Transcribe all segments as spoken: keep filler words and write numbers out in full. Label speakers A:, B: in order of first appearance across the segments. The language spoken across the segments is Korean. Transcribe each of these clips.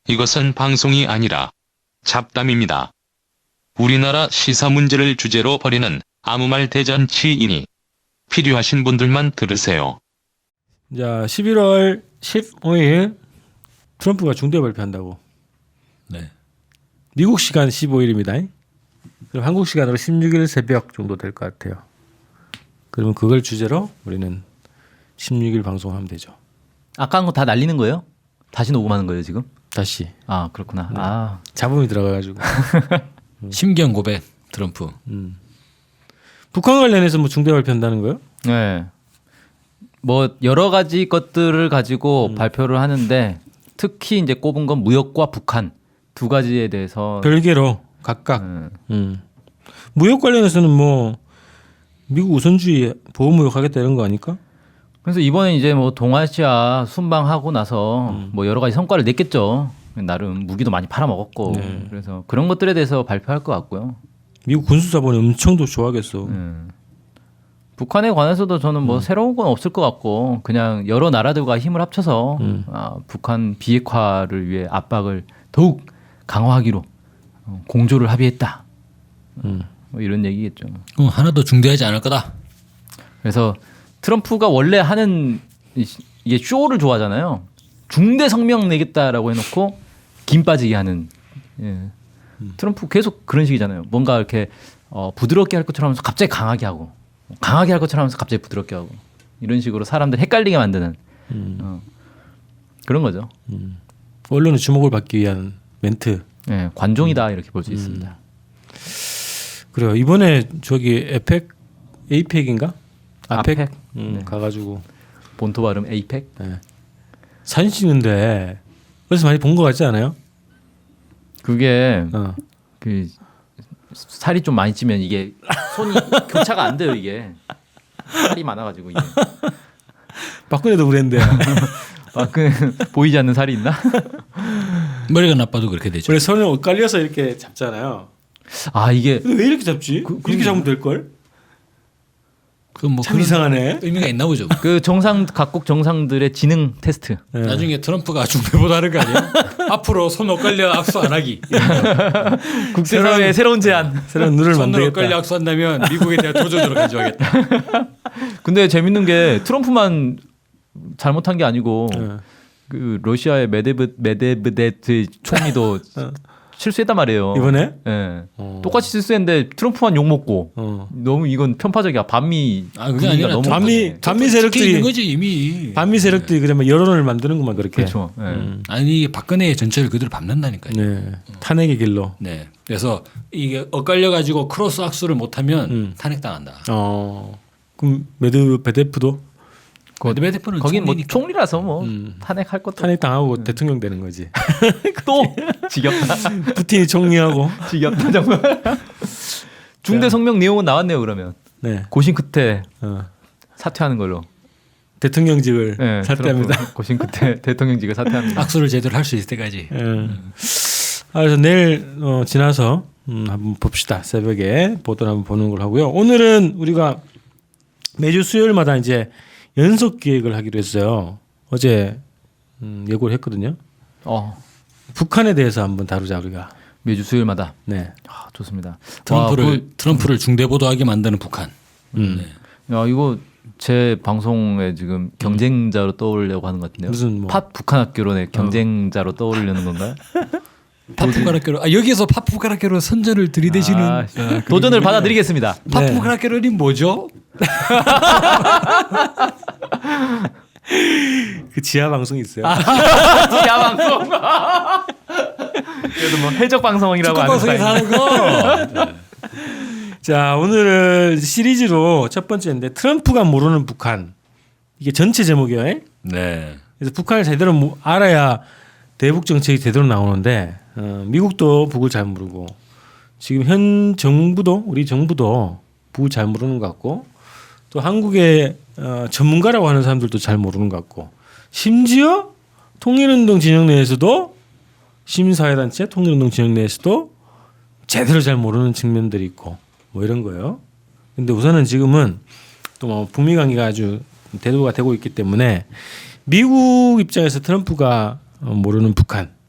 A: 이것은 방송이 아니라 잡담입니다. 우리나라 시사 문제를 주제로 벌이는 아무 말 대잔치이니 필요하신 분들만 들으세요.
B: 자, 십일월 십오일 트럼프가 중대 발표한다고.
C: 네.
B: 미국 시간 십오일입니다. 그럼 한국 시간으로 십육일 새벽 정도 될 것 같아요. 그러면 그걸 주제로 우리는 십육일 방송하면 되죠.
D: 아까 한 거 다 날리는 거예요? 다시 녹음하는 거예요 지금?
B: 다시.
D: 아 그렇구나.
B: 네.
D: 아
B: 잡음이 들어가가지고.
C: 심경 고백 트럼프.
B: 음. 북한 관련해서 뭐 중대 발표한다는 거요?
D: 네. 뭐 여러 가지 것들을 가지고
B: 음.
D: 발표를 하는데 특히 이제 꼽은 건 무역과 북한 두 가지에 대해서
B: 별개로 각각.
D: 음.
B: 음. 무역 관련해서는 뭐 미국 우선주의 보호 무역하겠다 이런 거 아닐까?
D: 그래서 이번에 이제 뭐 동아시아 순방하고 나서
B: 음.
D: 뭐 여러 가지 성과를 냈겠죠. 나름 무기도 많이 팔아먹었고
B: 네.
D: 그래서 그런 것들에 대해서 발표할 것 같고요.
B: 미국 군수자본이 엄청 더 좋아하겠어.
D: 음. 북한에 관해서도 저는 뭐 새로운 건 없을 것 같고 그냥 여러 나라들과 힘을 합쳐서
B: 음.
D: 아, 북한 비핵화를 위해 압박을 더욱 강화하기로 어, 공조를 합의했다.
B: 음.
D: 뭐 이런 얘기겠죠.
C: 어, 하나도 중대하지 않을 거다.
D: 그래서 트럼프가 원래 하는 이- 이게 쇼를 좋아하잖아요. 중대 성명 내겠다라고 해놓고 김 빠지게 하는. 예. 트럼프 계속 그런 식이잖아요. 뭔가 이렇게 어, 부드럽게 할 것처럼 하면서 갑자기 강하게 하고, 강하게 할 것처럼 하면서 갑자기 부드럽게 하고 이런 식으로 사람들 헷갈리게 만드는
B: 음.
D: 어, 그런 거죠.
B: 언론의 주목을 받기 위한 멘트.
D: 예, 관종이다 이렇게 볼 수 있습니다.
B: 그래요. 이번에 저기 에펙, 에이펙인가? 아펙,
D: 아펙?
B: 음,
D: 네.
B: 가가지고
D: 본토 발음 에이펙.
B: 네. 사진 찍는데 어디서 많이 본 것 같지 않아요?
D: 그게
B: 어.
D: 그 살이 좀 많이 찌면 이게 손이 교차가 안 돼요 이게 살이 많아가지고 이게
B: 박근혜도 그랬는데
D: 아그 보이지 않는 살이 있나?
C: 머리가 나빠도 그렇게 되죠.
B: 원래 손을 엇갈려서 이렇게 잡잖아요.
D: 아 이게
B: 근데 왜 이렇게 잡지?
D: 그-
B: 이렇게 잡으면 될 걸?
C: 그뭐
B: 참 이상하네.
C: 의미가 있나 보죠.
D: 그 정상 각국 정상들의 지능 테스트.
B: 네.
C: 나중에 트럼프가 중대보다 하는 거 아니야? 앞으로 손 엇갈려 악수 안 하기.
D: 국제사회의 새로운 제안.
B: 새로운 룰을
C: 손으로 엇갈려
B: 만들겠다.
C: 악수한다면 미국에 대한 도전으로 가져가겠다.
D: 근데 재밌는 게 트럼프만 잘못한 게 아니고
B: 네.
D: 그 러시아의 메데브 메데브데트 총리도 실수했단 말이에요.
B: 이번에?
D: 예.
B: 어.
D: 똑같이 실수했는데 트럼프만 욕 먹고
B: 어.
D: 너무 이건 편파적이야. 반미
C: 아, 그게
D: 분위기가
C: 아니라
D: 너무
B: 반미
D: 강해.
B: 반미
C: 찍혀 있는
B: 세력들이
C: 거지 이미.
B: 반미 세력들이 그러면 여론을 만드는구만 그렇게.
D: 그렇죠. 예.
B: 음.
C: 아니 이게 박근혜의 전체를 그대로 밟는다니까요.
B: 네. 탄핵의 길로.
C: 네. 그래서 이게 엇갈려 가지고 크로스 악수를 못하면
B: 음.
C: 탄핵당한다.
B: 어. 그럼 메드베데프도
C: 메드베데프는
D: 거긴 뭐
C: 총리니까.
D: 총리라서 뭐
B: 음.
D: 탄핵할 것도
B: 탄핵 당하고 대통령 되는 거지.
D: 또 지겹다.
B: 푸틴이 총리하고.
D: 지겹다 정말. 중대 성명 내용은 나왔네요. 그러면
B: 네.
D: 고심 끝에
B: 어.
D: 사퇴하는 걸로.
B: 대통령직을
D: 네,
B: 사퇴합니다.
D: 트럼프 고심 끝에 대통령직을 사퇴합니다.
C: 악수를 제대로 할 수 있을 때까지.
B: 예. 아, 그래서 내일 어, 지나서 음, 한번 봅시다. 새벽에 보도를 한번 보는 걸 하고요. 오늘은 우리가 매주 수요일마다 이제 연속 기획을 하기로 했어요. 어제 음, 예고를 했거든요.
D: 어,
B: 북한에 대해서 한번 다루자 우리가.
D: 매주 수요일마다.
B: 네.
D: 아, 좋습니다.
C: 트럼프를
D: 와, 그-
C: 트럼프를 중대보도하게 만드는 북한.
B: 음.
C: 네.
D: 야 이거 제 방송에 지금 경쟁자로 떠오르려고 하는 것 같은데요.
B: 무슨 뭐
D: 팟 북한 학교론의 경쟁자로 떠오르려는 건가요?
C: 파푸가라케로 아 여기서 파푸가라케로 선전을 들이대시는
D: 아, 도전을 받아들이겠습니다.
B: 네.
C: 파푸가라케로는 뭐죠?
B: 그 지하 방송이 있어요.
D: 지하 방송. 그래도 뭐 해적 방송이라고
C: 축구
D: 하는
C: 방송에서
D: 스타일.
C: 하는 거.
B: 자, 오늘은 시리즈로 첫 번째인데 트럼프가 모르는 북한. 이게 전체 제목이에요.
C: 네.
B: 그래서 북한을 제대로 모- 알아야 대북 정책이 제대로 나오는데 어, 미국도 북을 잘 모르고 지금 현 정부도 우리 정부도 북을 잘 모르는 것 같고 또 한국의 어, 전문가라고 하는 사람들도 잘 모르는 것 같고 심지어 통일운동 진영 내에서도 시민사회단체 통일운동 진영 내에서도 제대로 잘 모르는 측면들이 있고 뭐 이런 거예요. 근데 우선은 지금은 또 뭐 북미 관계가 아주 대두가 되고 있기 때문에 미국 입장에서 트럼프가 모르는 북한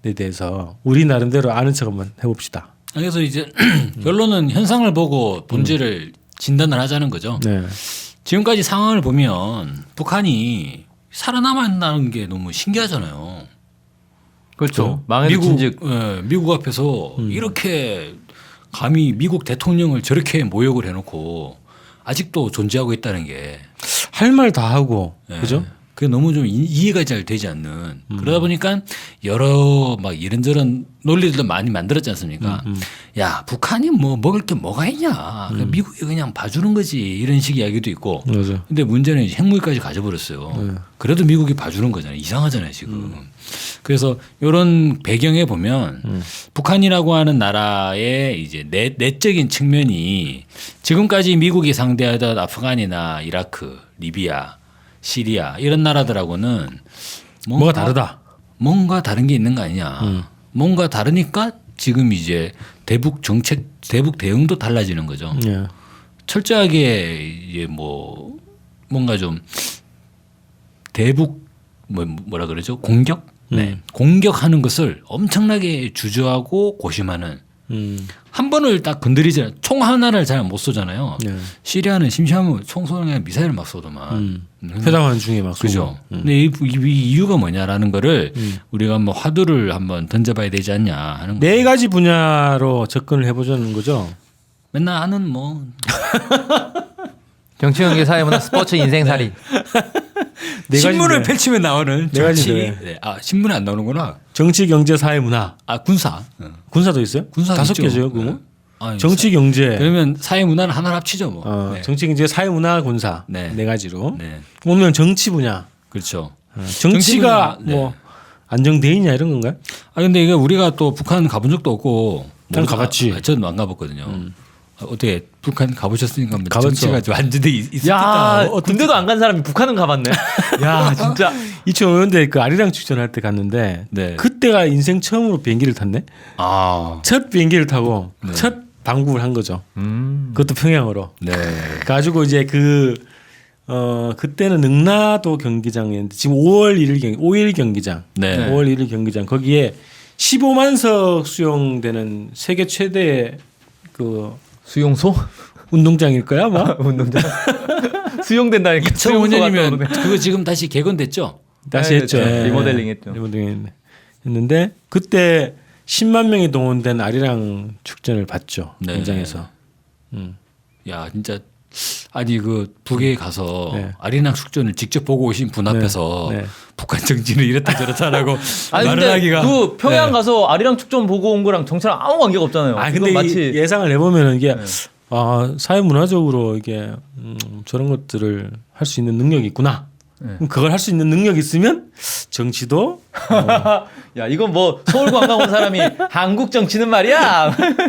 B: 대해서 우리 나름대로 아는 척 한번 해봅시다.
C: 그래서 이제 결론은 현상을 보고 본질을 진단을 하자는 거죠.
B: 네.
C: 지금까지 상황을 보면 북한이 살아남았다는 게 너무 신기하잖아요.
D: 그렇죠. 망해도
C: 미국,
D: 진즉
C: 예, 미국 앞에서 이렇게 감히 미국 대통령을 저렇게 모욕을 해놓고 아직도 존재하고 있다는 게
B: 할 말 다 하고
C: 예,
B: 그죠?
C: 그게 너무 좀 이- 이해가 잘 되지 않는 그러다 보니까 여러 막 이런저런 논리들도 많이 만들었지 않습니까? 야 북한이 뭐 먹을 게 뭐가 있냐? 그냥 미국이 그냥 봐주는 거지 이런 식 이야기도 있고.
B: 맞아.
C: 근데 문제는 이제 핵무기까지 가져버렸어요. 그래도 미국이 봐주는 거잖아요. 이상하잖아요 지금. 그래서 이런 배경에 보면 북한이라고 하는 나라의 이제 내, 내적인 측면이 지금까지 미국이 상대하던 아프간이나 이라크, 리비아, 시리아 이런 나라들하고는
B: 뭐가 다르다.
C: 뭔가 다른 게 있는 거 아니냐. 뭔가 다르니까 지금 이제 대북 정책, 대북 대응도 달라지는 거죠.
B: 예.
C: 철저하게 이제 뭐 뭔가 좀 대북 뭐 뭐라 그러죠? 공격? 네. 공격하는 것을 엄청나게 주저하고 고심하는
B: 음.
C: 한 번을 딱 건드리지 총 하나를 잘 못 쏘잖아요.
B: 네.
C: 시리아는 심심하면 총 쏘는 게 미사일을 막 쏘더만.
B: 음.
C: 음.
B: 회담하는 중에 막
C: 그죠.
B: 쏘고. 음.
C: 근데 이, 이, 이 이유가 뭐냐라는 거를 우리가 한번 화두를 한번 던져봐야 되지 않냐 하는
B: 네
C: 거죠.
B: 가지 분야로 접근을 해보자는 거죠.
C: 맨날 하는 뭐
D: 정치, 경제, 사회, 문화, 스포츠, 인생살이.
B: 네
C: 신문을
B: 가지인데.
C: 펼치면 나오는
B: 네
C: 정치.
B: 가지인데.
C: 네. 아 신문에 안 나오는구나.
B: 정치, 경제, 사회, 문화.
C: 아 군사. 어.
B: 군사도 있어요?
C: 군사
B: 다섯
C: 있죠.
B: 개죠, 그거.
C: 네. 아니,
B: 정치, 경제.
C: 그러면 사회 문화는 하나로 합치죠 뭐.
B: 어,
C: 네.
B: 정치, 경제, 사회, 문화, 군사.
C: 네.
B: 네, 가지로.
C: 네.
B: 오면 정치 분야.
C: 그렇죠.
B: 어, 정치가
C: 정치 분야,
B: 뭐
C: 네.
B: 안정돼 있냐 이런 건가요?
C: 아 근데 이게 우리가 또 북한 가본 적도 없고.
B: 난
C: 모르-
B: 가봤지.
C: 아, 저는 안 가봤거든요. 아, 어떻게 북한 가보셨으니까 뭐
B: 가봤죠.
C: 정치가 좀 완전히 있- 있었겠다.
D: 야,
C: 어,
D: 군대도 안 간 사람이 북한은 가봤네. 야, 진짜.
B: 이천오 년대 그 아리랑 축전할 때 갔는데
C: 네.
B: 그때가 인생 처음으로 비행기를 탔네.
C: 아.
B: 첫 비행기를 타고
C: 네.
B: 첫 방북을 한 거죠.
D: 음.
B: 그것도 평양으로.
C: 네.
B: 가지고 이제 그 어 그때는 능라도 경기장이었는데 지금 오월 일일 경 오일 경기장.
C: 네.
B: 오월 일일 경기장 거기에 십오만석 수용되는 세계 최대 그
D: 수용소?
B: 운동장일 거야, 아마.
D: 운동장. 수용된다니까.
C: 이천오 년이면
D: 수용소가 떠오르네.
C: 그거 지금 다시 개건됐죠?
B: 다시
D: 네,
B: 했죠.
D: 네,
B: 예.
D: 리모델링 했죠.
B: 리모델링 했는데 그때 십만 명이 동원된 아리랑 축전을 봤죠.
C: 네.
B: 현장에서. 음.
C: 야 진짜 아니 그 북에 가서
B: 네.
C: 아리랑 축전을 직접 보고 오신 분 앞에서
B: 네.
C: 북한 정치는 이렇다 저렇다라고
D: 아니
C: 말을
D: 근데
C: 하기가
D: 그 평양
C: 네.
D: 가서 아리랑 축전 보고 온 거랑 정치랑 아무 관계가 없잖아요.
B: 아
D: 그건
B: 근데
D: 마치
B: 이 예상을 해보면 이게 아 사회 문화적으로 이게 음, 저런 것들을 할 수 있는 능력이 있구나.
D: 네.
B: 그럼 그걸 할 수 있는 능력이 있으면 정치도
D: 야 이건 뭐 서울 관광 온 사람이 한국 정치는 말이야.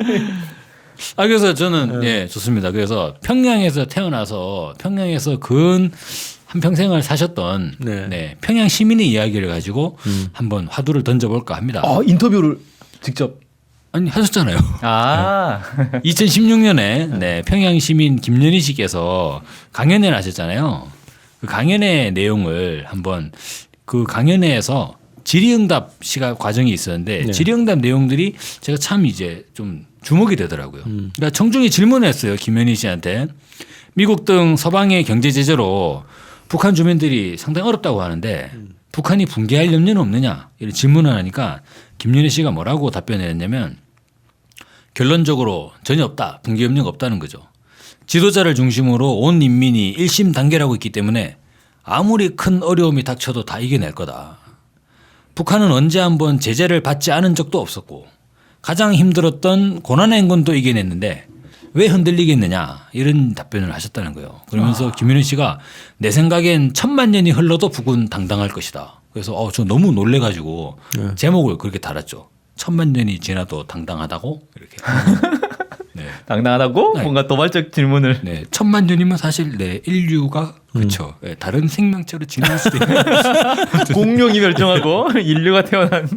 C: 아 그래서 저는 예 좋습니다. 그래서 평양에서 태어나서 평양에서 근 한 평생을 사셨던
B: 네.
C: 네. 평양 시민의 이야기를 가지고 한번 화두를 던져볼까 합니다.
D: 어 인터뷰를 직접.
C: 아니 하셨잖아요.
D: 아
C: 이천십육 년에 네, 평양 시민 김연희 씨께서 강연회를 하셨잖아요. 그 강연회 내용을 한번 그 강연회에서 질의응답 시간 과정이 있었는데
B: 네.
C: 질의응답 내용들이 제가 참 이제 좀 주목이 되더라고요. 그러니까 청중이 질문했어요. 김연희 씨한테 미국 등 서방의 경제 제재로 북한 주민들이 상당히 어렵다고 하는데 북한이 붕괴할 염려는 없느냐 이런 질문을 하니까 김연희 씨가 뭐라고 답변했냐면 결론적으로 전혀 없다. 붕괴 염려가 없다는 거죠. 지도자를 중심으로 온 인민이 일심 단결하고 있기 때문에 아무리 큰 어려움이 닥쳐도 다 이겨낼 거다. 북한은 언제 한번 제재를 받지 않은 적도 없었고 가장 힘들었던 고난의 행군도 이겨냈는데 왜 흔들리겠느냐 이런 답변을 하셨다는 거예요. 그러면서 김윤희 씨가 내 생각엔 천만 년이 흘러도 북은 당당할 것이다. 그래서 어, 저 너무 놀래가지고
B: 네.
C: 제목을 그렇게 달았죠. 천만 년이 지나도 당당하다고 이렇게. 네.
D: 당당하다고
C: 네.
D: 뭔가 도발적 질문을.
C: 네, 천만 년이면 사실 네 인류가 그렇죠. 네, 다른 생명체로 진화할 수도 있는.
D: 공룡이 멸종하고 인류가 태어난.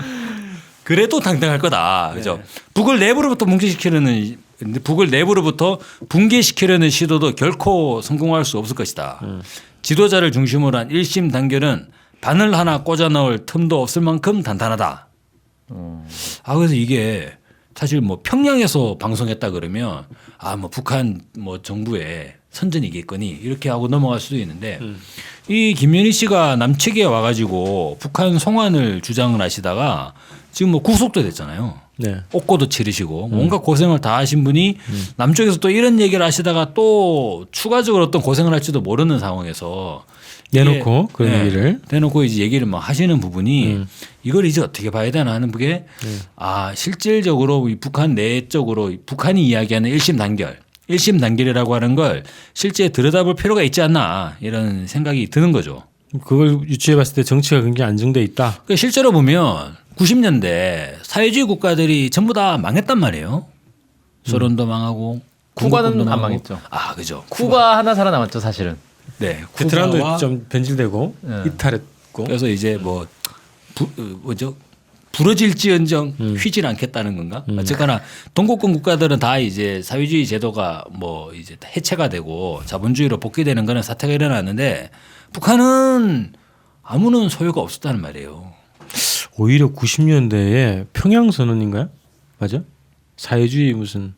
C: 그래도 당당할 거다. 그죠? 북을 내부로부터 붕괴시키려는 근데 북을 내부로부터 붕괴시키려는 시도도 결코 성공할 수 없을 것이다. 지도자를 중심으로 한 일심 단결은 바늘 하나 꽂아 넣을 틈도 없을 만큼 단단하다.
D: 어.
C: 아 그래서 이게 사실 뭐 평양에서 방송했다 그러면 아 뭐 북한 뭐 정부에 선전이겠거니 이렇게 하고 넘어갈 수도 있는데
B: 음.
C: 이 김연희 씨가 남측에 와가지고 북한 송환을 주장을 하시다가 지금 뭐 구속도 됐잖아요.
B: 네.
C: 옥고도 치르시고 뭔가 고생을 다 하신 분이 남쪽에서 또 이런 얘기를 하시다가 또 추가적으로 어떤 고생을 할지도 모르는 상황에서
B: 내놓고
C: 이게,
B: 그런
C: 네,
B: 얘기를.
C: 내놓고 이제 얘기를 막 하시는 부분이
B: 음.
C: 이걸 이제 어떻게 봐야 되나 하는 게 아 실질적으로 이 북한 내적으로 이 북한이 이야기하는 일심 단결, 일심 단결이라고 하는 걸 실제 들여다볼 필요가 있지 않나 이런 생각이 드는 거죠.
B: 그걸 유추해 봤을 때 정치가 굉장히 안정돼 있다.
C: 그러니까 실제로 보면 구십 년대 사회주의 국가들이 전부 다 망했단 말이에요. 소련도 망하고
D: 쿠바는
C: 중국도
D: 안
C: 망하고.
D: 망했죠.
C: 아 그죠.
D: 쿠바 하나 살아남았죠 사실은.
C: 네.
B: 베트남도
C: 쿠바와
B: 좀 변질되고
D: 네.
B: 이탈했고.
C: 그래서 이제 뭐 부, 어, 뭐죠? 부러질지언정
B: 음.
C: 휘질 않겠다는 건가? 어쨌거나 동국권 국가들은 다 이제 사회주의 제도가 뭐 이제 해체가 되고 자본주의로 복귀되는 그런 사태가 일어났는데 북한은 아무런 소요가 없었다는 말이에요.
B: 오히려 구십 년대에 평양 선언인가요? 맞아? 사회주의 무슨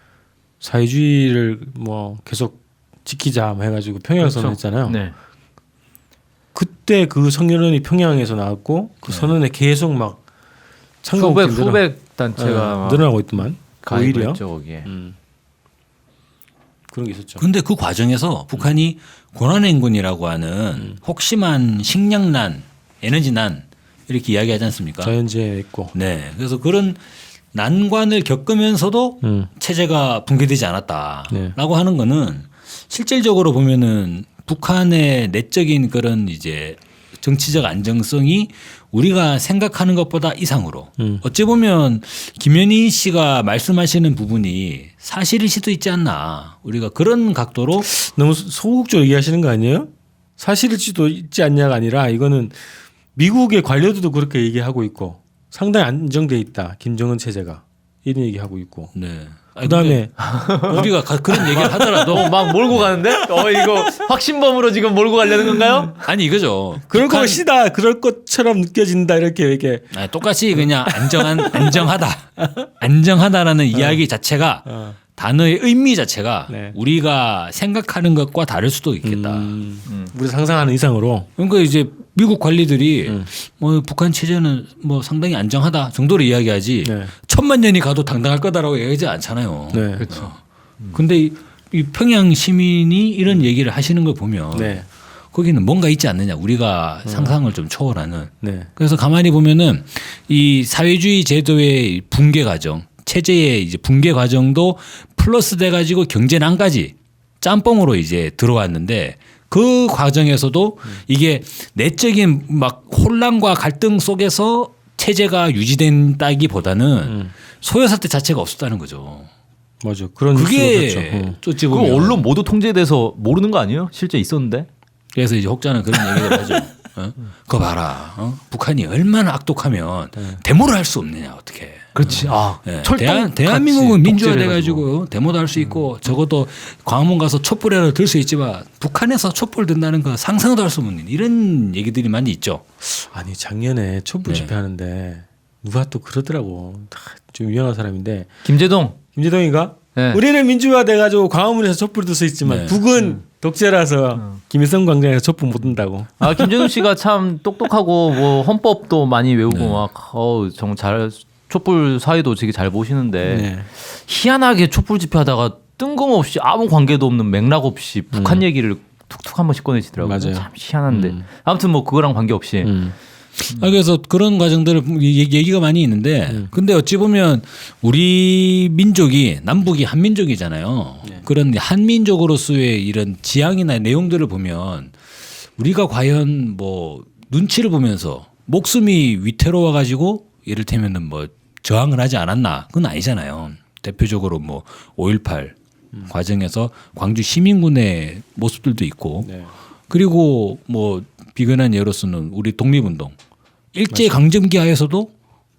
B: 사회주의를 뭐 계속 지키자 뭐 해가지고 평양
D: 그렇죠.
B: 선언했잖아요.
D: 네.
B: 그때 그 성년원이 평양에서 나왔고 그 선언에 계속 막
D: 후백
B: 참가국들이
D: 후백 단체가
B: 늘어,
D: 막
B: 늘어나고 있더만.
D: 가입을
B: 오히려
D: 했죠 거기에.
B: 음. 그런 게 있었죠.
C: 그런데 그 과정에서 북한이 고난행군이라고 하는 혹심한 식량난, 에너지난 이렇게 이야기하지 않습니까?
B: 자연재해 있고.
C: 네. 그래서 그런 난관을 겪으면서도
B: 음.
C: 체제가 붕괴되지 않았다라고
B: 네.
C: 하는 거는 실질적으로 보면은 북한의 내적인 그런 이제 정치적 안정성이 우리가 생각하는 것보다 이상으로
B: 음.
C: 어찌 보면 김연희 씨가 말씀하시는 부분이 사실일 수도 있지 않나 우리가 그런 각도로
B: 너무 소극적으로 얘기하시는 거 아니에요? 사실일지도 있지 않냐가 아니라 이거는 미국의 관료들도 그렇게 얘기하고 있고 상당히 안정돼 있다. 김정은 체제가 이런 얘기하고 있고.
C: 네. 아니,
B: 그다음에
C: 근데 우리가 가- 그런 얘기를 하더라도
D: 어, 막 몰고 가는데? 어 이거 확신범으로 지금 몰고 가려는 건가요?
C: 아니 이거죠.
B: 그럴
C: 북한-
B: 것이다. 그럴 것처럼 느껴진다. 이렇게 이렇게.
C: 아니, 똑같이 그냥 안정한 안정하다, 안정하다라는 이야기 자체가
B: 어.
C: 단어의 의미 자체가
B: 네.
C: 우리가 생각하는 것과 다를 수도 있겠다.
B: 음, 우리 상상하는 이상으로.
C: 그러니까 이제 미국 관리들이
B: 음.
C: 뭐 북한 체제는 뭐 상당히 안정하다 정도로 이야기하지
B: 네.
C: 천만 년이 가도 당당할 거다라고 얘기하지 않잖아요.
B: 네.
D: 그렇죠.
C: 근데 이, 이 평양 시민이 이런 얘기를 하시는 걸 보면
B: 네.
C: 거기는 뭔가 있지 않느냐 우리가 상상을 좀 초월하는.
B: 네.
C: 그래서 가만히 보면은 이 사회주의 제도의 붕괴 과정, 체제의 이제 붕괴 과정도 플러스 돼 가지고 경제난까지 짬뽕으로 이제 들어왔는데 그 과정에서도 이게 내적인 막 혼란과 갈등 속에서 체제가 유지된다기보다는
B: 음.
C: 소요 사태 자체가 없었다는 거죠.
B: 맞아. 그런 뉴스가
C: 그게
B: 그렇죠. 어.
C: 어찌
D: 그
C: 보면
D: 언론 모두 통제돼서 모르는 거 아니에요? 실제 있었는데.
C: 그래서 이제 혹자는 그런 얘기를 하죠. 어? 그거 봐라. 어? 북한이 얼마나 악독하면 데모를 할 수 없느냐 어떻게.
D: 그렇지. 아
C: 네.
D: 철도
C: 대한, 대한민국은 민주화돼 가지고 데모도 할 수 있고 적어도 광화문 가서 촛불이라도 들 수 있지만 북한에서 촛불 든다는 건 상상도 할 수 없는 이런 얘기들이 많이 있죠.
B: 아니 작년에 촛불
C: 네.
B: 집회하는데 누가 또 그러더라고. 다 좀 유명한 사람인데
D: 김재동.
B: 김재동이가
D: 네.
B: 우리는 민주화 돼가지고 광화문에서 촛불 들 수 있지만
C: 네.
B: 북은 독재라서 김일성 광장에서 촛불 못 든다고.
D: 아 김재동 씨가 참 똑똑하고 뭐 헌법도 많이 외우고
C: 네.
D: 막 어우 정말 잘 촛불 사회도 되게 잘 보시는데
B: 네.
D: 희한하게 촛불 집회하다가 뜬금없이 아무 관계도 없는 맥락 없이 북한 얘기를 툭툭 한 번씩 꺼내시더라고요.
B: 맞아요.
D: 참 희한한데
B: 음.
D: 아무튼 뭐 그거랑 관계없이
B: 음.
C: 아, 그래서 그런 과정들을 얘기- 얘기가 많이 있는데 근데 어찌 보면 우리 민족이 남북이 한민족이잖아요. 그런 한민족으로서의 이런 지향이나 내용들을 보면 우리가 과연 뭐 눈치를 보면서 목숨이 위태로워 가지고 이를테면은 뭐 저항을 하지 않았나 그건 아니잖아요. 대표적으로 뭐 오일팔 과정에서 광주 시민군의 모습들도 있고
B: 네.
C: 그리고 뭐 비근한 예로서는 우리 독립운동 일제 강점기 하에서도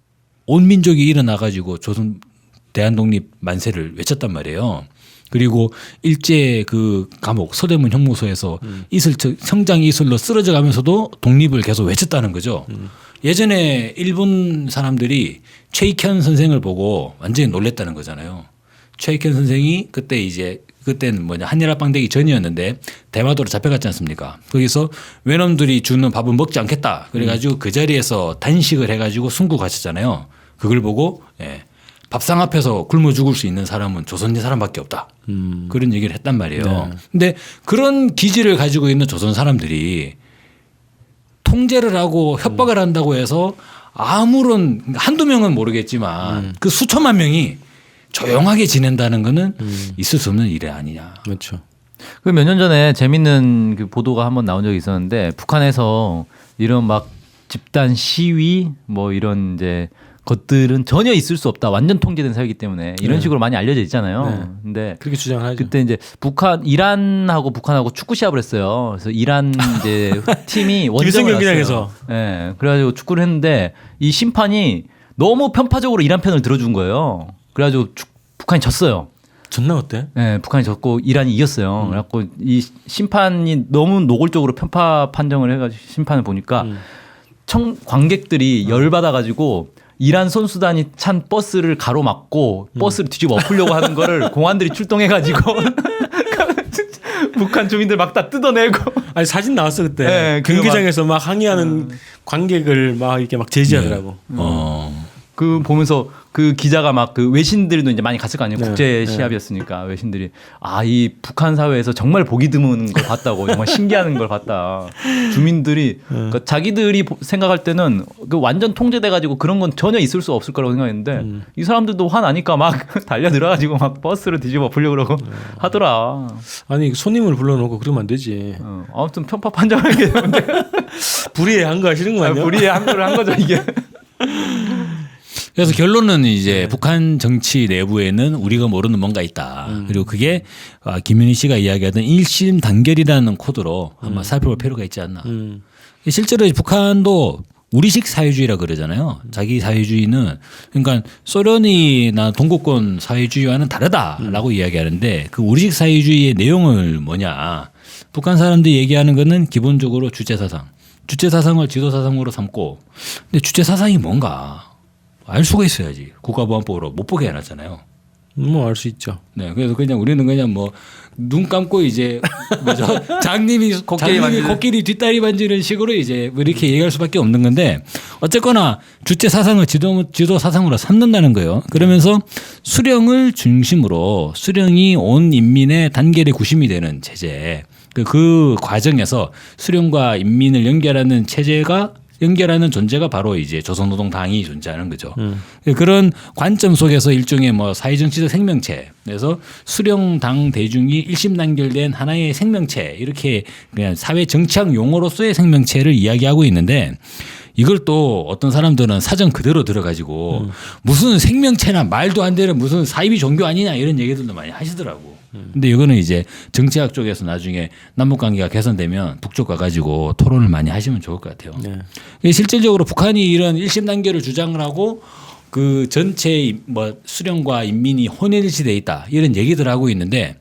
C: 온 민족이 일어나 가지고 조선 대한독립 만세를 외쳤단 말이에요. 그리고 일제 그 감옥 서대문 형무소에서 이슬 성장 이슬로 쓰러져 가면서도 독립을 계속 외쳤다는 거죠. 예전에 일본 사람들이 최익현 선생을 보고 완전히 놀랬다는 거잖아요. 최익현 선생이 그때 이제 그때는 뭐냐 한일합방 되기 전이었는데 대마도로 잡혀갔지 않습니까? 거기서 외놈들이 주는 밥은 먹지 않겠다. 그래가지고 음. 그 자리에서 단식을 해가지고 순국 가셨잖아요. 그걸 보고 예, 밥상 앞에서 굶어 죽을 수 있는 사람은 조선인 사람밖에 없다. 음. 그런 얘기를 했단 말이에요. 네. 근데 그런 기질을 가지고 있는 조선 사람들이 통제를 하고 협박을 음. 한다고 해서 아무런 한두 명은 모르겠지만 음. 그 수천만 명이 조용하게 지낸다는 거는 음. 있을 수 없는 일이 아니냐.
B: 그렇죠.
D: 그 몇 년 전에 재밌는 그 보도가 한번 나온 적이 있었는데 북한에서 이런 막 집단 시위 뭐 이런 이제 것들은 전혀 있을 수 없다. 완전 통제된 사회이기 때문에 이런
B: 네.
D: 식으로 많이 알려져 있잖아요.
B: 네.
D: 근데
B: 그렇게 주장을 하죠.
D: 그때 이제 북한 이란하고 북한하고 축구 시합을 했어요. 그래서 이란 이제 팀이 원정을
B: 경기장에서.
D: 예. 네. 그래가지고 축구를 했는데 이 심판이 너무 편파적으로 이란 편을 들어준 거예요. 그래가지고 축, 북한이 졌어요.
B: 졌나 어때?
D: 네, 북한이 졌고 이란이 이겼어요. 음. 그래갖고 이 심판이 너무 노골적으로 편파 판정을 해가지고 심판을 보니까
B: 음.
D: 청 관객들이 음. 열 받아가지고 이란 선수단이 찬 버스를 가로막고 음. 버스를 뒤집어 엎으려고 하는 거를 공안들이 출동해가지고 북한 주민들 막 다 뜯어내고.
B: 아니 사진 나왔어 그때.
D: 네,
B: 경기장에서 막, 막 항의하는 음. 관객을 막 이렇게 막 제지하더라고.
C: 네. 어.
D: 그 보면서 그 기자가 막 그 외신들도 이제 많이 갔을 거 아니에요.
B: 네,
D: 국제
B: 네.
D: 시합이었으니까 외신들이 아 이 북한 사회에서 정말 보기 드문 걸 봤다고 정말 신기한 걸 봤다. 주민들이
B: 네.
D: 그러니까 자기들이 생각할 때는 그 완전 통제돼 가지고 그런 건 전혀 있을 수 없을 거라고 생각했는데
B: 음.
D: 이 사람들도 화나니까 막 달려 들어가지고 막 버스를 뒤집어 엎으려고 그러고
B: 네.
D: 하더라.
B: 아니 손님을 불러놓고 그러면 안 되지.
D: 어, 아무튼 편파 판정하게 되는데
B: 불의에 한 거 하시는 거 아니야?
D: 우리의 함부로 한 거죠 이게.
C: 그래서 결론은 이제 네. 북한 정치 내부에는 우리가 모르는 뭔가 있다. 음. 그리고 그게 김윤희 씨가 이야기하던 일심 단결이라는 코드로 한번 음. 살펴볼 필요가 있지 않나. 음. 실제로 북한도 우리식 사회주의라 그러잖아요. 자기 사회주의는 그러니까 소련이나 동구권 사회주의와는 다르다라고 음. 이야기하는데 그 우리식 사회주의의 내용을 뭐냐. 북한 사람들이 얘기하는 거는 기본적으로 주체사상. 주체사상을 지도사상으로 삼고 근데 주체사상이 뭔가. 알 수가 있어야지. 국가보안법으로 못 보게 해놨잖아요.
B: 뭐 알 수 있죠.
C: 네, 그래서 그냥 우리는 그냥 뭐 눈 감고 이제 뭐죠 장님이
D: 코끼리
C: 장님이 코끼리 뒷다리 만지는 식으로 이제 뭐 이렇게 얘기할 수밖에 없는 건데 어쨌거나 주체 사상을 지도 지도 사상으로 삼는다는 거예요. 그러면서 수령을 중심으로 수령이 온 인민의 단결의 구심이 되는 체제. 그, 그 과정에서 수령과 인민을 연결하는 체제가 연결하는 존재가 바로 이제 조선노동당이 존재하는 거죠. 음. 그런 관점 속에서 일종의 뭐 사회정치적 생명체, 그래서 수령당 대중이 일심단결된 하나의 생명체 이렇게 그냥 사회 정치학 용어로서의 생명체를 이야기하고 있는데 이걸 또 어떤 사람들은 사전 그대로 들어가지고 음. 무슨 생명체나 말도 안 되는 무슨 사이비 종교 아니냐 이런 얘기들도 많이 하시더라고. 근데 이거는 이제 정치학 쪽에서 나중에 남북 관계가 개선되면 북쪽 가가지고 토론을 많이 하시면 좋을 것 같아요. 네. 실질적으로 북한이 이런 일심 단결을 주장을 하고 그 전체 뭐 수령과 인민이 혼일시돼 있다 이런 얘기들 하고 있는데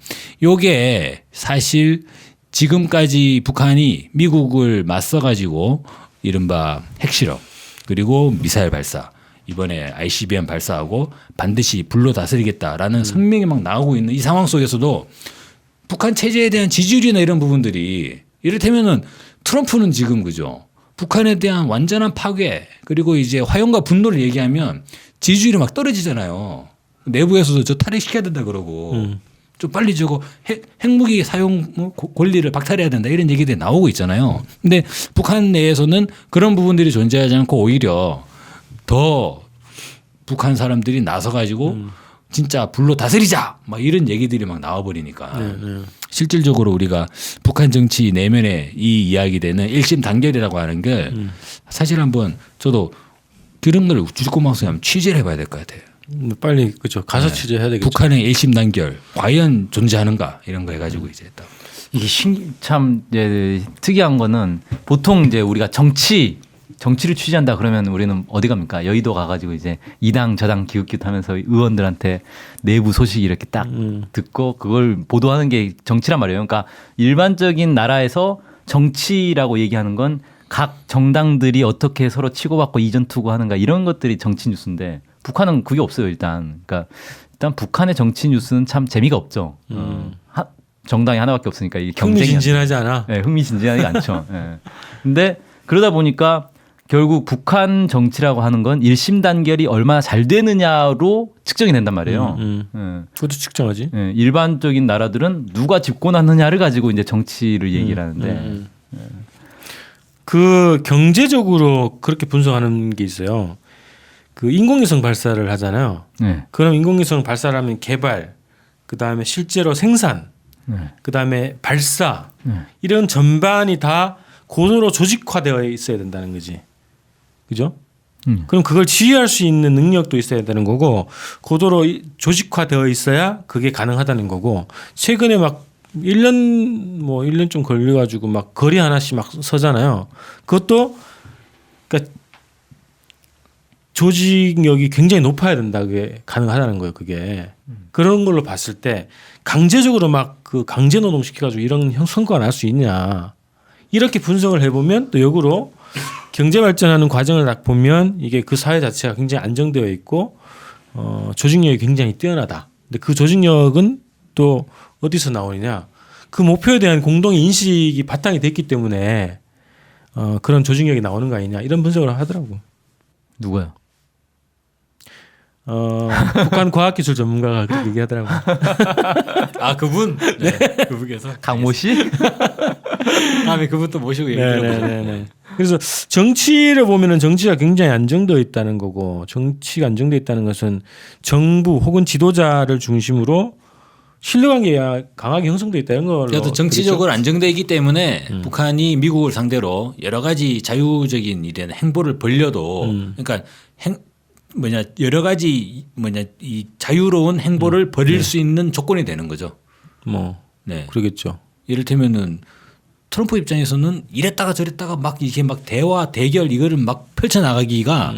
C: 요게 사실 지금까지 북한이 미국을 맞서가지고 이른바 핵실험 그리고 미사일 발사 이번에 아이씨비엠 발사하고 반드시 불로 다스리겠다라는 음. 성명이 막 나오고 있는 이 상황 속에서도 북한 체제에 대한 지지율이나 이런 부분들이 이를테면은 트럼프는 지금 그죠. 북한에 대한 완전한 파괴 그리고 이제 화용과 분노를 얘기하면 지지율이 막 떨어지잖아요. 내부에서도 저 탈핵시켜야 된다 그러고 음. 좀 빨리 저거 핵, 핵무기 사용 권리를 박탈해야 된다 이런 얘기들이 나오고 있잖아요. 근데 북한 내에서는 그런 부분들이 존재하지 않고 오히려 더 북한 사람들이 나서 가지고 음. 진짜 불로 다스리자 막 이런 얘기들이 막 나와버리니까 네, 네. 실질적으로 우리가 북한 정치 내면에 이 이야기되는 일심 단결이라고 하는 게 음. 사실 한번 저도 그런 걸 주짓구망성에 한번 취재를 해봐야 될 것 같아요.
B: 빨리 그죠 가서 네. 취재해야 되겠죠.
C: 북한의 일심 단결 과연 존재하는가 이런 거 해가지고 이제 딱
D: 이게 신, 참 이제 특이한 거는 보통 이제 우리가 정치 정치를 취재한다 그러면 우리는 어디 갑니까? 여의도 가가지고 이제 이 당 저 당 기웃기웃하면서 의원들한테 내부 소식 이렇게 딱 음. 듣고 그걸 보도하는 게 정치란 말이에요. 그러니까 일반적인 나라에서 정치라고 얘기하는 건 각 정당들이 어떻게 서로 치고받고 이전투고 하는가 이런 것들이 정치 뉴스인데 북한은 그게 없어요 일단. 그러니까 일단 북한의 정치 뉴스는 참 재미가 없죠.
B: 음.
D: 어, 하, 정당이 하나밖에 없으니까 이게 경쟁이
B: 흥미진진하지 않아.
D: 네, 흥미진진하지 않죠. 네. 근데 그러다 보니까 결국 북한 정치라고 하는 건 일심 단결이 얼마나 잘 되느냐로 측정이 된단 말이에요.
B: 음,
D: 네.
B: 그것도 측정하지.
D: 네, 일반적인 나라들은 누가 집권하느냐를 가지고 이제 정치를 얘기를 하는데
B: 음, 음. 그 경제적으로 그렇게 분석하는 게 있어요. 그 인공위성 발사를 하잖아요.
D: 네.
B: 그럼 인공위성 발사를 하면 개발, 그 다음에 실제로 생산,
D: 네.
B: 그 다음에 발사
D: 네.
B: 이런 전반이 다 고도로 조직화되어 있어야 된다는 거지. 그죠?
D: 음.
B: 그럼 그걸 지휘할 수 있는 능력도 있어야 되는 거고 고도로 이- 조직화되어 있어야 그게 가능하다는 거고 최근에 막 일 년 뭐 일 년 좀 걸려 가지고 막 거리 하나씩 막 서잖아요. 그것도 그러니까 조직력이 굉장히 높아야 된다. 그게 가능하다는 거예요. 그게 그런 걸로 봤을 때 강제적으로 막 그 강제 노동 시켜가지고 이런 형- 성과가 날 수 있냐 이렇게 분석을 해보면 또 역으로 경제 발전하는 과정을 딱 보면 이게 그 사회 자체가 굉장히 안정되어 있고 어, 조직력이 굉장히 뛰어나다. 근데 그 조직력은 또 어디서 나오느냐? 그 목표에 대한 공동의 인식이 바탕이 됐기 때문에 어, 그런 조직력이 나오는 거 아니냐 이런 분석을 하더라고.
D: 누가요?
B: 어, 북한 과학기술 전문가가 그렇게 얘기하더라고.
C: 아 그분 네. 그분께서
D: 강모 씨?
C: 다음에 그분 또 모시고 얘기 들어보죠.
B: 네네네. 그래서 정치를 보면은 정치가 굉장히 안정되어 있다는 거고 정치가 안정되어 있다는 것은 정부 혹은 지도자를 중심으로 신뢰관계가 강하게 형성되어 있다 이런 걸로.
C: 그래도 정치적으로 안정되기 때문에 북한이 미국을 상대로 여러 가지 자유적인 이런 행보를 벌려도
B: 음.
C: 그러니까 행 뭐냐 여러 가지 뭐냐 이 자유로운 행보를 벌일 수 있는 조건이 되는 거죠.
B: 뭐
C: 네.
B: 그러겠죠.
C: 이를테면은 트럼프 입장에서는 이랬다가 저랬다가 막 이게 막 대화 대결 이거를 막 펼쳐 나가기가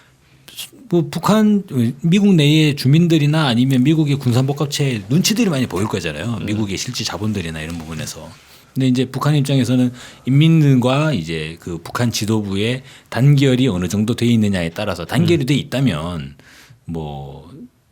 C: 뭐 북한 미국 내의 주민들이나 아니면 미국의 군산복합체의 눈치들이 많이 보일 거잖아요. 미국의 실제 자본들이나 이런 부분에서. 근데 이제 북한 입장에서는 인민들과 이제 그 북한 지도부의 단결이 어느 정도 돼 있느냐에 따라서 단결이 돼 있다면 뭐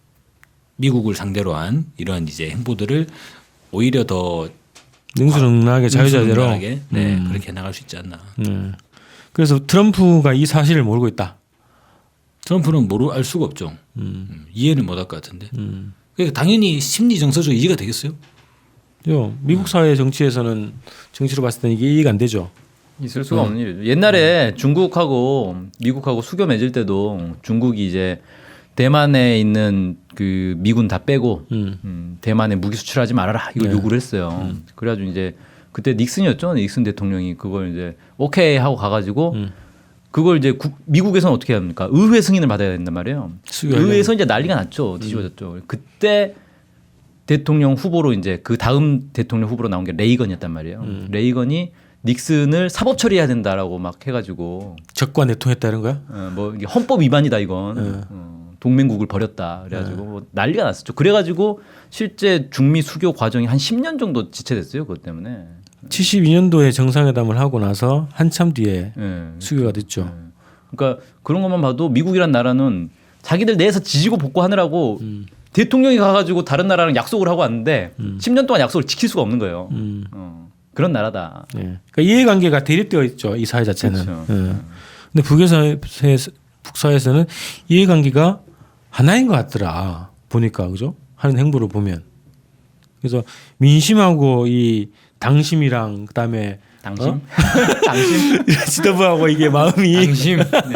C: 미국을 상대로 한 이런 이제 행보들을 오히려 더
B: 능수능란하게 자유자재로.
C: 능수능란하게, 네
B: 음.
C: 그렇게 나갈 수 있지 않나.
B: 음. 그래서 트럼프가 이 사실을 모르고 있다.
C: 트럼프는 모르 알 수가 없죠.
B: 음.
C: 음, 이해는 못 할 것 같은데.
B: 음.
C: 그러니까 당연히 심리 정서적 이해가 되겠어요.
B: 요 미국 사회 정치에서는 정치로 봤을 때는 이게 이해가 안 되죠.
D: 있을 수가 없는 일이죠. 옛날에 중국하고 미국하고 수교 맺을 때도 중국이 이제 대만에 있는 그 미군 다 빼고
B: 음.
D: 음, 대만에 무기 수출하지 말아라 이거
B: 네.
D: 요구를 했어요. 그래가지고 이제 그때 닉슨이었죠. 닉슨 대통령이 그걸 이제 오케이 하고 가가지고
B: 음.
D: 그걸 이제 국, 미국에서는 어떻게 합니까? 의회 승인을 받아야 된단 말이에요.
B: 수교하려면.
D: 의회에서 이제 난리가 났죠. 뒤집어졌죠. 그때 대통령 후보로 이제 그 다음 대통령 후보로 나온 게 레이건이었단 말이에요. 레이건이 닉슨을 사법 처리해야 된다라고 막 해가지고
B: 적과 내통했다 이런 거야?
D: 어, 뭐 이게 헌법 위반이다 이건
B: 네.
D: 어, 동맹국을 버렸다 그래가지고 뭐 난리가 났었죠. 그래가지고 실제 중미 수교 과정이 한 십 년 정도 지체됐어요. 그것 때문에.
B: 칠십이 년도에 정상회담을 하고 나서 한참 뒤에
D: 예.
B: 수교가 됐죠.
D: 그러니까 그런 것만 봐도 미국이란 나라는 자기들 내에서 지지고 볶고하느라고
B: 음.
D: 대통령이 가가지고 다른 나라랑 약속을 하고 왔는데 십 년 동안 약속을 지킬 수가 없는 거예요.
B: 음.
D: 어, 그런 나라다.
B: 예. 그러니까 이해관계가 대립되어 있죠. 이 사회 자체는.
D: 그렇죠.
B: 예. 근데 북에서 북사에서는 이해관계가 하나인 것 같더라. 보니까 그죠? 하는 행보를 보면. 그래서 민심하고 이 당심이랑 그다음에
D: 당심?
B: 어?
D: 당심?
B: 지도부하고 이게 마음이
C: 당심.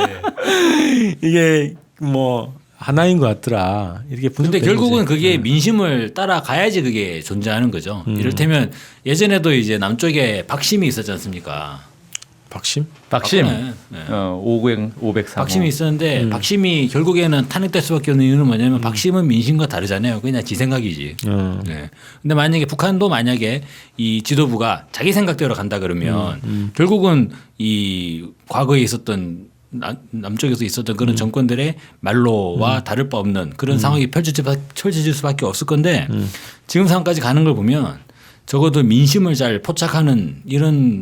C: 네.
B: 이게 뭐 하나인 것 같더라. 이렇게
C: 근데
B: 분석되는
C: 결국은
B: 거지.
C: 그게 민심을 따라가야지 그게 존재하는 거죠.
B: 음.
C: 이를테면 예전에도 이제 남쪽에 박심이 있었지 않습니까?
B: 박심?
D: 박심.
C: 박근혜. 네.
D: 어, 오백, 오백삼.
C: 박심이 있었는데
B: 음.
C: 박심이 결국에는 탄핵될 수밖에 없는 이유는 뭐냐면 박심은 민심과 다르잖아요. 그냥 지 생각이지.
B: 어.
C: 네. 근데 만약에 북한도 만약에 이 지도부가 자기 생각대로 간다 그러면
B: 음,
C: 결국은 이 과거에 있었던 남, 남쪽에서 있었던 그런 정권들의 말로와 다를 바 없는 그런 상황이 펼쳐질, 바- 펼쳐질 수밖에 없을 건데 지금 상황까지 가는 걸 보면 적어도 민심을 잘 포착하는 이런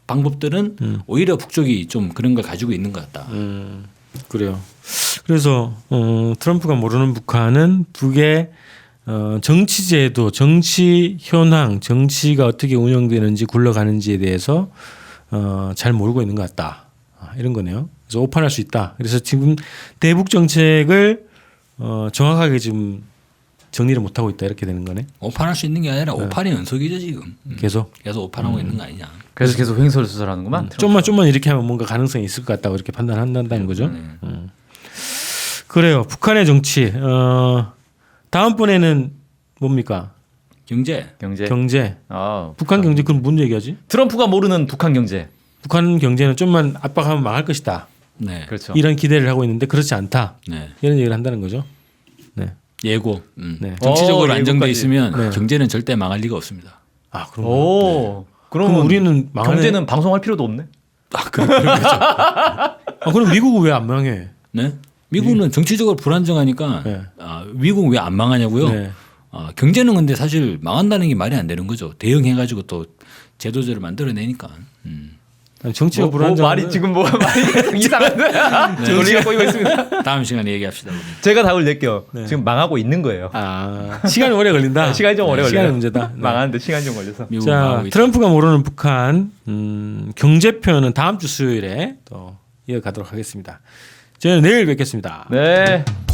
C: 방법들은
B: 음.
C: 오히려 북쪽이 좀 그런 걸 가지고 있는 것 같다.
B: 음, 그래요. 그래서 어, 트럼프가 모르는 북한은 북의 어, 정치제도, 정치 현황, 정치가 어떻게 운영되는지 굴러가는지에 대해서 어, 잘 모르고 있는 것 같다. 아, 이런 거네요. 그래서 오판할 수 있다. 그래서 지금 대북 정책을 어, 정확하게 지금 정리를 못 하고 있다 이렇게 되는 거네.
C: 오판할 수 있는 게 아니라 오판의 연속이죠 지금. 음.
B: 계속
C: 계속 오판하고 있는 거 아니냐.
D: 그래서 계속 횡설수설하는구만. 트럼프가.
B: 좀만 좀만 이렇게 하면 뭔가 가능성이 있을 것 같다고 이렇게 판단한다는 거죠. 음. 그래요. 북한의 정치. 어, 다음번에는 뭡니까?
C: 경제.
D: 경제.
B: 경제.
D: 아,
B: 북한 경제 그럼 뭔 얘기하지?
D: 트럼프가 모르는 북한 경제.
B: 북한 경제는 좀만 압박하면 망할 것이다.
C: 네.
D: 그렇죠.
B: 이런 기대를 하고 있는데 그렇지 않다.
C: 네.
B: 이런 얘기를 한다는 거죠. 네.
C: 예고. 음.
B: 네.
C: 정치적으로
D: 오,
C: 안정돼
D: 예고까지.
C: 있으면
B: 네.
C: 경제는 절대 망할 리가 없습니다.
B: 아 그럼.
D: 오. 그러면
B: 그럼 우리는 망하네.
D: 경제는 방송할 필요도 없네.
C: 아, 그럼 그렇겠죠.
B: 아, 그럼 미국은 왜 안 망해?
C: 네. 미국은 정치적으로 불안정하니까
B: 네.
C: 아, 미국은 왜 안 망하냐고요?
B: 네.
C: 아, 경제는 근데 사실 망한다는 게 말이 안 되는 거죠. 대응해가지고 또 제도제를 만들어내니까. 음.
B: 아니, 정치가
D: 뭐, 뭐
B: 불안정.
D: 말이 지금 뭐 말이 계속 이상한데 논리가 꼬이고 있습니다.
C: 다음 시간에 얘기합시다. 우리.
D: 제가 답을 낼게요.
B: 네.
D: 지금 망하고 있는 거예요.
B: 아 시간이 오래 걸린다.
D: 시간이 좀 오래
B: 네,
D: 걸려요.
B: 시간이 문제다. 네.
D: 망하는데 시간이 좀 걸려서.
C: 미국
B: 자,
C: 망하고 있다.
B: 트럼프가 모르는 북한 음, 경제편은 다음 주 수요일에 또 이어가도록 하겠습니다. 저는 내일 뵙겠습니다.
D: 네.